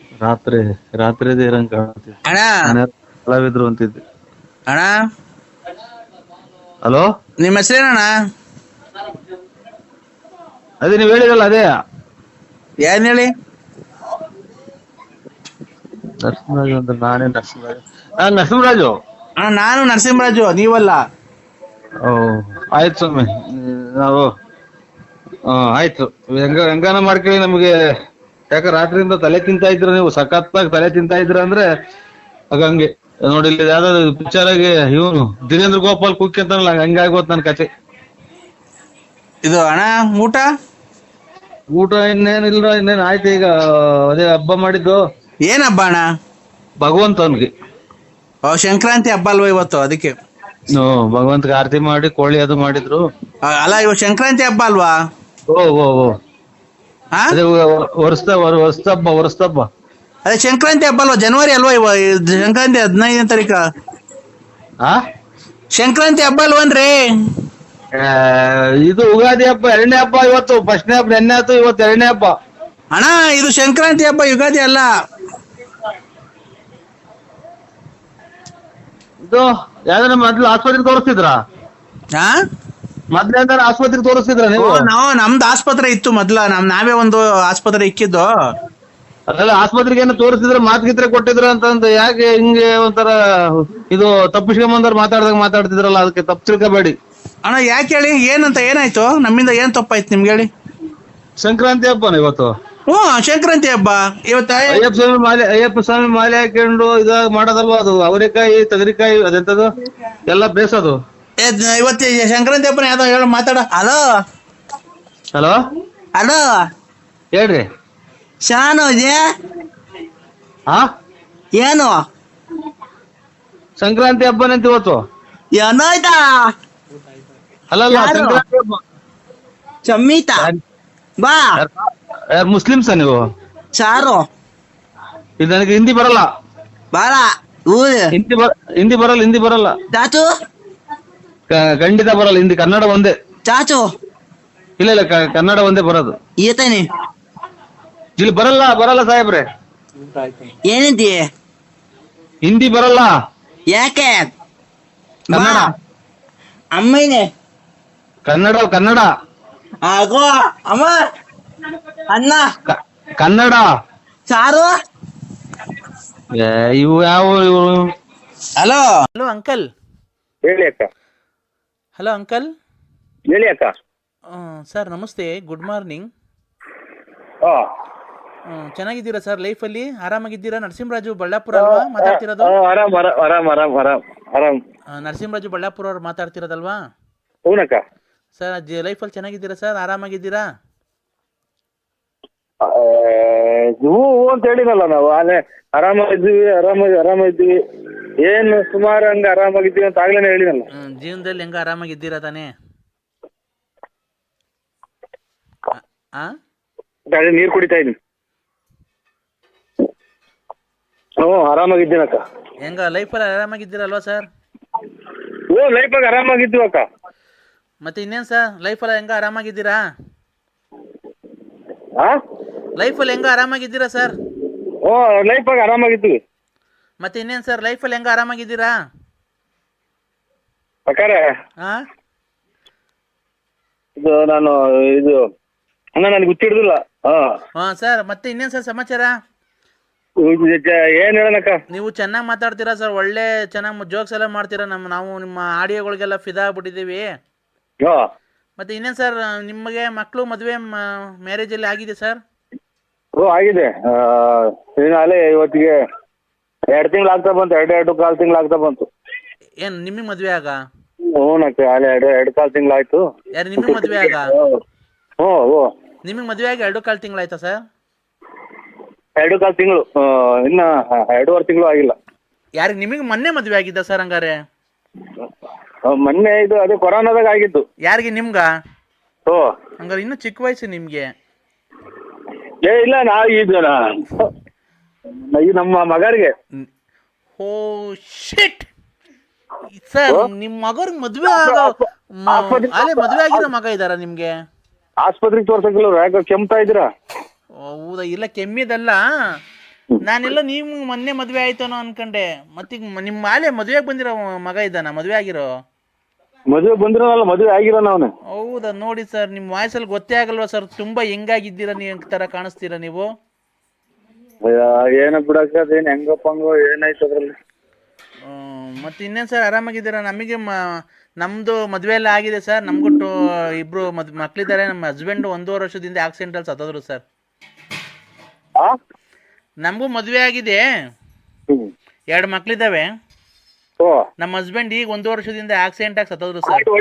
ರಾತ್ರಿ ರಾತ್ರಿದೇ ಇರಂಗ್ ಕಾಣ್ತಿತ್ತು. ಅಣ್ಣ ನಾನು ಕಲಾವಿದ್ರು ಅಂತಿದ್ದೆ. ಅಣ್ಣ ಹಲೋ, ನಿಮ್ಮ ಹೆಸರೇನಣ್ಣ? ಅದೇ ನೀವ್ ಹೇಳಿರಲ್ಲ ಅದೇ ಏನ್ ಹೇಳಿ? ನರಸಿಂಹರಾಜು ಅಂದ್ರೆ ನಾನೇ ನರಸಿಂಹರಾಜು. ನರಸಿಂಹರಾಜು. ಅಣ್ಣ ನಾನು ನರಸಿಂಹರಾಜು, ನೀವಲ್ಲ. ಓ ಆಯ್ತು ಸ್ವಾಮಿ, ನಾವು ಆಯ್ತು. ಹೆಂಗಾನ ಮಾಡ್ಕೊಳ್ಳಿ. ನಮ್ಗೆ ಯಾಕ ರಾತ್ರಿಯಿಂದ ತಲೆ ತಿಂತಾ ಇದ್ರ, ನೀವು ಸಖತ್ತಾಗಿ ತಲೆ ತಿಂತಾ ಇದ್ರ ಅಂದ್ರೆ ಹಂಗೆ ನೋಡಿ. ಇಲ್ಲಿ ಯಾವ್ದಾದ್ರು ಪಿಕ್ಚರ್ ಆಗಿ ಇವನು ದಿನೇಂದ್ರ ಗೋಪಾಲ್ ಕುಕ್ಕಿ ಅಂತಾನಲ್ಲ, ಹಂಗಾಗೋತ್ ನನ್ ಕತೆ. ಇದು ಅಣ್ಣ ಊಟ ಊಟ ಇನ್ನೇನಿಲ್ಲ, ಇನ್ನೇನ್ ಆಯ್ತು. ಈಗ ಅದೇ ಹಬ್ಬ ಮಾಡಿದ್ದು. ಏನ್ ಹಬ್ಬ ಅಣ್ಣ? ಭಗವಂತನ್ಗೆ. ಸಂಕ್ರಾಂತಿ ಹಬ್ಬ ಅಲ್ವಾ ಇವತ್ತು, ಅದಕ್ಕೆ. ಭಗವಂತಗೆ ಆರತಿ ಮಾಡಿ ಕೋಳಿ ಅದು ಮಾಡಿದ್ರು. ಅಲ್ಲ, ಇವತ್ತು ಸಂಕ್ರಾಂತಿ ಹಬ್ಬ ಅಲ್ವಾ? ಓ ಓ ಓ ಹಾ, ಅದೇ ವರ್ಷದಬ್ಬ. ಅದೇ ಸಂಕ್ರಾಂತಿ ಹಬ್ಬ ಅಲ್ವಾ? ಜನವರಿ ಅಲ್ವಾ ಸಂಕ್ರಾಂತಿ 15ನೇ ತಾರೀಕು. ಆ ಸಂಕ್ರಾಂತಿ ಹಬ್ಬ ಅಲ್ವನ್ರಿ? ಇದು ಯುಗಾದಿ ಹಬ್ಬ, 2ನೇ ಹಬ್ಬ. ಇವತ್ತು ಫಸ್ಟ್ನೇ ಹಬ್ಬ ನೆನ್ನೆ ಆಯ್ತು, ಇವತ್ತು 2ನೇ ಹಬ್ಬ. ಅಣ್ಣ ಇದು ಸಂಕ್ರಾಂತಿ ಹಬ್ಬ, ಯುಗಾದಿ ಅಲ್ಲ. ಇದು ಯಾವ್ದಾರ ಮೊದ್ಲು ಆಸ್ಪತ್ರೆಗೆ ತೋರಿಸ್ತಿದ್ರ? ಹಾ, ಮೊದ್ಲು ಯಾವ್ದಾರ ಆಸ್ಪತ್ರೆಗೆ ತೋರಿಸ್ತಿದ್ರ ನೀವು? ನಮ್ದು ಆಸ್ಪತ್ರೆ ಇತ್ತು ಮೊದ್ಲ. ನಾವೇ ಒಂದು ಆಸ್ಪತ್ರೆ ಇಕ್ಕಿದ್ದು. ಅದೆಲ್ಲ ಆಸ್ಪತ್ರೆಗೆ ಏನೋ ತೋರಿಸ್ತಿದ್ರ, ಮಾತ್ಗಿತ್ರೆ ಕೊಟ್ಟಿದ್ರ ಅಂತಂದು. ಯಾಕೆ ಹಿಂಗೆ ಒಂಥರ ಇದು ತಪ್ಪಿಸ್ಕೊಂಬಂದವ್ರು ಮಾತಾಡ್ತಿದ್ರಲ್ಲ, ಅದಕ್ಕೆ ತಪ್ಪು ತಿಳ್ಕೊಬೇಡಿ. ಅಣ್ಣ ಯಾಕೆ ಹೇಳಿ? ಏನಂತ ಏನಾಯ್ತು? ನಮ್ಮಿಂದ ಏನ್ ತಪ್ಪಾಯ್ತು ನಿಮ್ಗೆ ಹೇಳಿ? ಸಂಕ್ರಾಂತಿ ಹಬ್ಬನ ಇವತ್ತು. ಸಂಕ್ರಾಂತಿ ಹಬ್ಬ ಇವತ್ತ. ಅಯ್ಯಪ್ಪ ಸ್ವಾಮಿ ಮಾಲೆ ಹಾಕೊಂಡು ಇದಾಗ ಮಾಡೋದಲ್ವಾ ಅದು? ಅವರೆಕಾಯಿ ತಗರಿಕಾಯಿ ಅದೆಂತದು ಎಲ್ಲ ಬೇಸದು. ಇವತ್ತು ಸಂಕ್ರಾಂತಿ ಹಬ್ಬನ ಯಾವ್ದೋ ಹೇಳ, ಮಾತಾಡ. ಹಲೋ ಹಲೋ ಹಲೋ, ಹೇಳ್ರಿ. ಶಾನು ಹಾ, ಏನು ಸಂಕ್ರಾಂತಿ ಹಬ್ಬನಂತ ಇವತ್ತು. ಏನಾಯ್ತಾ? ಅಲ್ಲಲ್ಲ, ಯಾರು? ಸಂಕ್ರಾಂತಿ ಹಬ್ಬ. ಚಮ್ಮಿತಾ ಬಾ. ಯಾರು ಮುಸ್ಲಿಮ್ಸ ನೀವು? ಸಾರು ಇದು ನನಗೆ ಹಿಂದಿ ಬರಲ್ಲ. ಬಾಳ ಹಿಂದಿ ಬರಲ್ಲ. ಚಾಚು ಖಂಡಿತ ಬರಲ್ಲ. ಹಿಂದಿ, ಕನ್ನಡ ಒಂದೇ. ಚಾಚು ಇಲ್ಲ ಕನ್ನಡ ಒಂದೇ ಬರೋದು. ಈತನಿ ಇಲ್ಲಿ ಬರಲ್ಲ ಸಾಹೇಬ್ರೆ. ಏನಂತೀಯ? ಹಿಂದಿ ಬರಲ್ಲ. ಯಾಕೆ? ಕನ್ನಡ. ಅಮ್ಮನೇ ಕನ್ನಡ ಆಗೋ ಅಮ್ಮ. ಅನ್ನ ಕನ್ನಡ. ಸಾರು. ಇವು ಯಾವ ಇವು? Hello hello uncle. ಹೇಳಿ ಅಕ್ಕ. Hello uncle. ಹೇಳಿ ಅಕ್ಕ. ಸರ್ ನಮಸ್ತೆ, ಗುಡ್ ಮಾರ್ನಿಂಗ್. ಹಾ, ಚೆನ್ನಾಗಿದ್ದೀರಾ ಸರ್? ಲೈಫಲ್ಲಿ ಆರಾಮಾಗಿದ್ದೀರಾ? ನರಸಿಂಹರಾಜು ಬಳ್ಳಾಪುರ ಅಲ್ವಾ ಮಾತಾಡ್ತಿರೋದು? ಆರಾಮ್. ನರಸಿಂಹರಾಜು ಬಳ್ಳಾಪುರ ಅವ್ರು ಮಾತಾಡ್ತಿರೋದಲ್ವಾ? ಹೂನಕ್ಕ. ಸರ್ ಲೈಫಲ್ಲಿ ಚೆನ್ನಾಗಿದ್ದೀರಾ ಸರ್? ಆರಾಮಾಗಿದ್ದೀರಾ? ಹೂ ಅಂತ ಹೇಳಿನಲ್ಲ ನಾವು. ಆರಾಮಾಗಿದ್ದೀವಿ. ಏನು ಸುಮಾರು ಹಂಗ ಆರಾಮಾಗಿದ್ದೀವಿ ಅಂತ ಆಗ್ಲೇನೆ ಹೇಳಿನಲ್ಲ. ಜೀವನದಲ್ಲಿ ಹೆಂಗ ಆರಾಮಾಗಿದ್ದೀರಾ ತಾನೇ? ನೀರ್ ಕುಡಿತಾ ಇದೀನಿ. ಆರಾಮಾಗಿದ್ದೀನಕ್ಕ. ಹೆಂಗ ಲೈಫಲ್ಲಿ ಆರಾಮಾಗಿದ್ದೀರಲ್ವಾ ಸರ್? ಲೈಫಾಗ ಆರಾಮಾಗಿದ್ದೀವಿ ಅಕ್ಕ. ಮತ್ತೆ ಇನ್ನೇನು ಸರ್, ಲೈಫಲ್ಲಿ ಹೆಂಗ ಆರಾಮಾಗಿದ್ದೀರಾ? ಲೈಫಲ್ಲಿ ಹೆಂಗ ಆರಾಮಾಗಿದ್ದೀರಾ ಸರ್? ಲೈಫಾಗ ಆರಾಮಾಗಿದ್ದೀವಿ. ಮತ್ತೆ ಇನ್ನೇನು ಸರ್, ಲೈಫಲ್ಲಿ ಹೆಂಗ ಆರಾಮಾಗಿದ್ದೀರಾ? ಅಕ್ಕಾರ ಇದು ನನಗೆ ಗೊತ್ತಿಡ್ದಿಲ್ಲ. ಸರ್ ಮತ್ತೆ ಇನ್ನೇನು ಸರ್ ಸಮಾಚಾರ? ಏನ್ ಹೇಳನಕ್ಕ? ನೀವು ಚೆನ್ನಾಗಿ ಮಾತಾಡ್ತೀರಾ ಸರ್, ಒಳ್ಳೆ ಚೆನ್ನಾಗಿ ಜೋಕ್ಸ್ ಎಲ್ಲ ಮಾಡ್ತೀರಾ. ನಾವು ನಿಮ್ಮ ಆಡಿಯೋಗಳಿಗೆಲ್ಲ ಫಿದಾ ಆಗ್ಬಿಟ್ಟಿದ್ದೀವಿ. ಮತ್ತೆ ಇನ್ನೇನು ಸರ್, ನಿಮಗೆ ಮಕ್ಕಳು ಮದುವೆ ಮ್ಯಾರೇಜ್ ಅಲ್ಲಿ ಆಗಿದೆ ಸರ್? ಆಗಿದೆ. ಅಲ್ಲೇ ಇವತ್ತಿಗೆ 2 ತಿಂಗಳು ಆಗ್ತಾ ಬಂತು. 2.25 ತಿಂಗಳು ಆಗ್ತಾ ಬಂತು. ಏನು ನಿಮಗೆ ಮದುವೆ ಆಗ? ಹೂನಕ್ಕ, ಅಲ್ಲೇ 2.25 ತಿಂಗಳು ಆಯ್ತು. ಯಾರು ನಿಮಗೆ ಮದುವೆ ಆಗ? ನಿಮಗೆ ಮದುವೆ ಆಗಿ 2.25 ತಿಂಗಳು ಆಯ್ತಾ ಸರ್? 2.25 ತಿಂಗಳು, ಇನ್ನ 2.5 ತಿಂಗಳು ಆಗಿಲ್ಲ. ಯಾರಿಗೆ ನಿಮಗೆ ಮೊನ್ನೆ ಮದುವೆ ಆಗಿದ್ದ ಸರ್? ಹಂಗಾರೆ ಮೊನ್ನೆ ಇದು ಅದೇ ಕೊರೋನಾದಾಗ ಆಗಿದ್ದು. ಯಾರಿಗೆ? ನಿಮ್ಗ? ಹಂಗಾರೆ ಇನ್ನೂ ಚಿಕ್ಕ ವಯಸ್ಸು ನಿಮ್ಗೆ. ಇಲ್ಲ, ಇದು ನಮ್ಮ ಮಗರಿಗೆ. ಓ ಶಿಟ್ ಸರ್, ನಿಮ್ಮ ಮಗರ್ಗೆ ಮದುವೆ ಅಲ್ಲೇ ಮದುವೆ ಆಗಿರೋ ಮಗ ಇದ್ದಾರಾ ನಿಮ್ಗೆ? ಆಸ್ಪತ್ರೆಗೆ ತೋರ್ಸಕ್ಕಿಲ್ಲ, ಯಾಕೆ ಕೆಮ್ತಾ ಇದ್ದೀರಾ? ಹೌದಾ? ಇಲ್ಲ ಕೆಮ್ಮಿದಲ್ಲ, ನಾನೆಲ್ಲ ನೀವು ಮೊನ್ನೆ ಮದುವೆ ಆಯ್ತಾನೋ ಅನ್ಕೊಂಡೆ. ಮತ್ತೀಗ ನಿಮ್ಮ ಆಲೆ ಮದುವೆಗೆ ಬಂದಿರೋ ಮಗ ಇದ್ದಾನ, ಮದುವೆ ಆಗಿರೋ? ಮದುವೆ ಬಂದಿರೋನಲ್ಲ, ಮದುವೆ ಆಗಿರೋನ ಅವನು. ಹೌದಾ? ನೋಡಿ ಸರ್, ನಿಮ್ಮ ವಾಯ್ಸಲ್ಲಿ ಗೊತ್ತೇ ಆಗಲ್ವಾ ಸರ್, ತುಂಬಾ ಹೆಂಗಾಗಿದ್ದೀರಾ ನೀವು ತರ ಕಾಣಿಸ್ತೀರಾ ನೀವು. ಏನ ಬಿಡಕ್ಕ, ಅದೇನು ಹೆಂಗಪ್ಪಂಗೋ ಏನಾಯ್ತು ಅದ್ರಲ್ಲಿ. ಮತ್ತೆ ಇನ್ನೇನು ಸರ್, ಆರಾಮಾಗಿದ್ದೀರಾ? ನಮಗೆ ನಮ್ಮದು ಮದುವೆ ಎಲ್ಲ ಆಗಿದೆ ಸರ್. ನಮಗೂ ಇಬ್ಬರು ಮಕ್ಕಳಿದ್ದಾರೆ. ನಮ್ಮ ಹಸ್ಬೆಂಡು 1.5 ವರ್ಷದಿಂದ ಆಕ್ಸಿಡೆಂಟಲ್ಲಿ ಸತ್ತೋದ್ರು ಸರ್. ನಮಗೂ ಮದುವೆ ಆಗಿದೆ, 2 ಮಕ್ಕಳಿದ್ದಾವೆ. ನಮ್ಮ ಹಸ್ಬೆಂಡ್ ಈಗ 1 ವರ್ಷದಿಂದ ಆಕ್ಸಿಡೆಂಟ್ ಆಗಿ ಸತ್ತೋದ್ರು ಸರ್.